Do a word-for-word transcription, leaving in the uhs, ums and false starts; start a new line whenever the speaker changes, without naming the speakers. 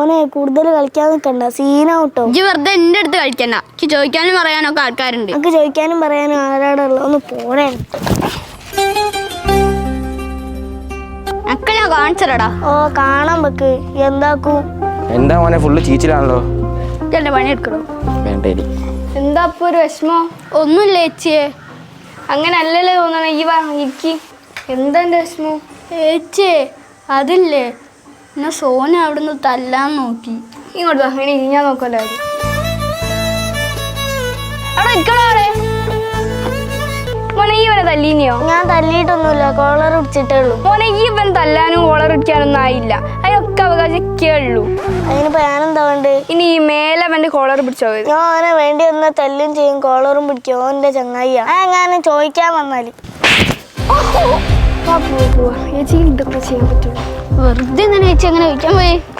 മോനെ കൂടുതൽ കളിക്കാൻ നിൽക്കണ്ട, സീനാവട്ടോ.
ഇജ്ജ് വെറുതെ എന്റെ അടുത്ത് കളിക്കണ്ട. എനിക്ക് ചോദിക്കാനും പറയാനൊക്കെ ആൾക്കാരുണ്ട്.
എനിക്ക് ചോദിക്കാനും പറയാനും ആരാടുള്ള ഒന്ന് പോണേ.
ഒക്കെ ഞാൻ കാണിച്ചടാ.
ഓ കാണാൻ വെക്ക്. എന്താക്കൂ?
എന്താ മോനെ ഫുള്ള് ചീച്ചിലാണല്ലോ.
എന്റെ പണി എടുക്കണോ?
വേണ്ടേ.
എന്താ അപ്പൊ ഒരു വിഷമോ?
ഒന്നുമില്ല ചേച്ചിയെ.
അങ്ങനെ അല്ലല്ലേ തോന്നണ. ഈ വാ ഇരിക്കി. എന്താ എന്റെ വിഷമോ?
ചേച്ചിയെ അതില്ലേ, എന്നെ സോന അവിടുന്ന് തല്ലാൻ നോക്കി.
ഇങ്ങോട്ട് വാ, ഇനി ഞാൻ നോക്കല്ലോ.
അവിടെ ഇരിക്കണോ? അവിടെ
മോനെ ഈ ഇവനെ തല്ലീനിയോ?
ഞാൻ തല്ലിയിട്ടൊന്നുമില്ല, കോളർ പിടിച്ചിട്ടേ ഉള്ളൂ.
മോനെ ഈ ഇവൻ തല്ലാനും കോളറിടിക്കാനൊന്നും ആയില്ല. അതിനൊക്കെ അവകാശിക്കേ ഉള്ളൂ.
അതിനിപ്പോ ഞാനെന്താ വേണ്ടേ?
ഇനി ഈ മേലെ അവന്റെ കോളർ പിടിച്ചോ.
ഞാൻ അവനെ വേണ്ടി വന്ന തല്ലും ചെയ്യും, കോളറും പിടിക്കും. ഓന്റെ ചങ്ങായിയാ. ആ ഞാൻ ചോദിക്കാൻ വന്നാല്
പോവാ പോവാ. ചേച്ചി ഇതൊക്കെ ചെയ്യാൻ പറ്റുള്ളൂ.
വെറുതെ ഇങ്ങനെ ചേച്ചി അങ്ങനെ ചോദിക്കാൻ പോയി.